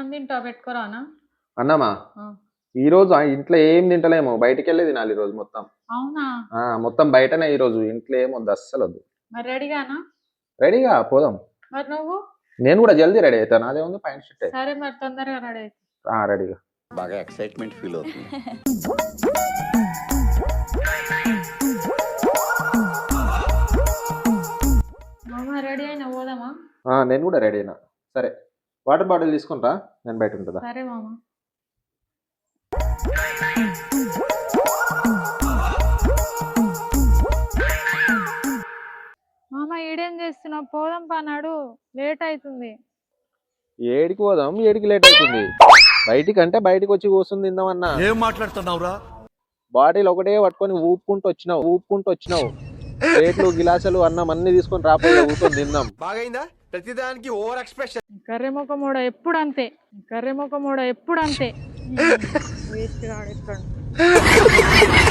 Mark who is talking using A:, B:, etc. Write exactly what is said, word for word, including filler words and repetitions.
A: అన్నం తింటావు పెట్టుకోరానా?
B: అన్నమా
A: ఆ.
B: ఈ రోజు ఆ ఇంట్లో ఏం తింటలేము, బయటికి వెళ్ళి తినాలి ఈ రోజు మొత్తం.
A: అవునా?
B: ఆ మొత్తం బయటనే ఈ రోజు, ఇంట్లో ఏం వద్దు, అస్సలు వద్దు.
A: మరి రెడీగానా?
B: రెడీగా పోదాం.
A: మరి నువ్వు?
B: నేను కూడా జల్దీ రెడీ అవుతాను, అదే ఉంది పైన షర్ట్.
A: సరే మరి తొందరగా రెడీ అయితే.
B: ఆ రెడీగా.
C: బాగా ఎక్సైట్మెంట్ ఫీల్ అవుతుంది.
A: మామ రెడీ అయినా పోదామా?
B: ఆ నేను కూడా రెడీ అయినా. సరే వాటర్ బాటిల్ తీసుకుంటా, నేను బయట ఉంటుందా.
A: సరే మామ. మామ ఈడేం చేస్తున్నావు? పోదాం పన్నాడు, లేట్ అవుతుంది.
B: ఏడికి పోదాం, ఏడికి లేట్ అవుతుంది. బయటికి అంటే బయటికి వచ్చి కూర్చుని తిందామన్నా.
C: ఏం మాట్లాడుతున్నావురా?
B: బాటిల్ ఒకటే పట్టుకొని ఊపుకుంటూ వచ్చినావు ఊపుకుంటూ వచ్చినావు ప్లేట్లు గిలాసులు అన్నం అన్ని తీసుకొని రాపోయి కూర్చొని తిందాం.
C: బాగైందా? ప్రతిదానికి ఓవర్ ఎక్స్ప్రెషన్.
A: కర్రెముఖ మూడ ఎప్పుడు అంతే, కర్రెముఖ మూడ ఎప్పుడు అంతే. వేస్ట్ గాడు ఎక్కడ.